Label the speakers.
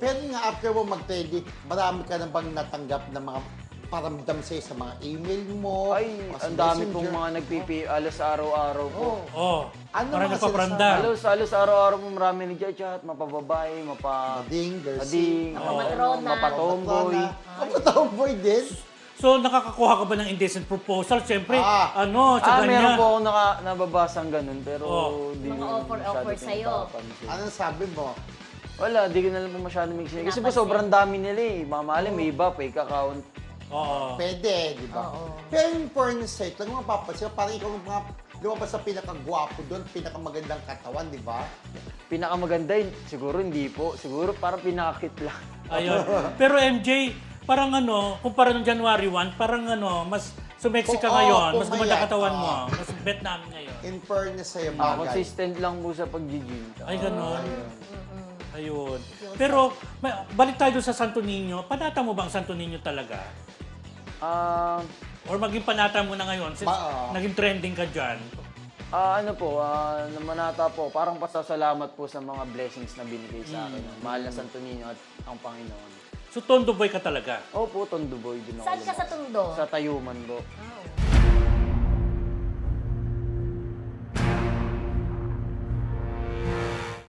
Speaker 1: Pero nga, after mo mag-trending, marami ka na bang natanggap na mga paramdam sa'yo sa mga email mo?
Speaker 2: Ay,
Speaker 1: o sa
Speaker 2: ang dami
Speaker 1: messenger?
Speaker 2: pong mga alas araw-araw po.
Speaker 3: Oh,
Speaker 1: Ano
Speaker 3: parang
Speaker 1: mga
Speaker 3: napapranda.
Speaker 2: Alos araw-araw po marami nag-chat, mapababae,
Speaker 1: Mading, girls.
Speaker 2: mading,
Speaker 4: Matrona.
Speaker 2: mapatomboy.
Speaker 1: Mapatomboy din.
Speaker 3: So, nakakakuha ka ba ng indecent proposal? Siyempre, sa
Speaker 2: Meron
Speaker 3: ganyan.
Speaker 2: po ako nababasang ganun, pero di
Speaker 4: Mga
Speaker 2: ko
Speaker 4: offer
Speaker 2: masyado
Speaker 4: sa'yo.
Speaker 2: pinapapansin.
Speaker 1: Anong sabi mo?
Speaker 2: Wala, di ko na lang po masyado mixing. Kasi po
Speaker 4: Napansin.
Speaker 2: sobrang dami nila eh. Mamali, may iba, fake account.
Speaker 3: Oo.
Speaker 1: Pwede, di ba? Pero in fairness sa'yo, talagang mapapansin, parang ikaw ang mga lumabas sa pinakagwapo doon, pinakamagandang katawan, di ba?
Speaker 2: Pinakamaganda yun, siguro hindi po. Siguro parang pinakakit lang.
Speaker 3: Ayun. Pero MJ, parang kumpara nung January 1, parang mas sumexy ka
Speaker 1: Oo,
Speaker 3: ngayon, mas
Speaker 1: pumayat.
Speaker 3: gumanda katawan mo,
Speaker 1: Oo.
Speaker 3: mas bet namin ngayon.
Speaker 1: In fairness sa'yo, bagay.
Speaker 2: Consistent lang po sa pag-gym.
Speaker 3: Ay, gano'n. Ayun. Pero, balik tayo doon sa Santo Niño. Panata mo ba ang Santo Niño talaga? Or maging panata mo na ngayon since naging trending ka dyan?
Speaker 2: Namanata po, parang pasasalamat po sa mga blessings na binigay sa akin. Mahal na Santo Niño at ang Panginoon.
Speaker 3: So, tondo boy ka talaga?
Speaker 2: Opo, Tondo Boy din ako.
Speaker 4: Saan ka sa Tondo?
Speaker 2: Sa Tayuman po.
Speaker 4: Oh.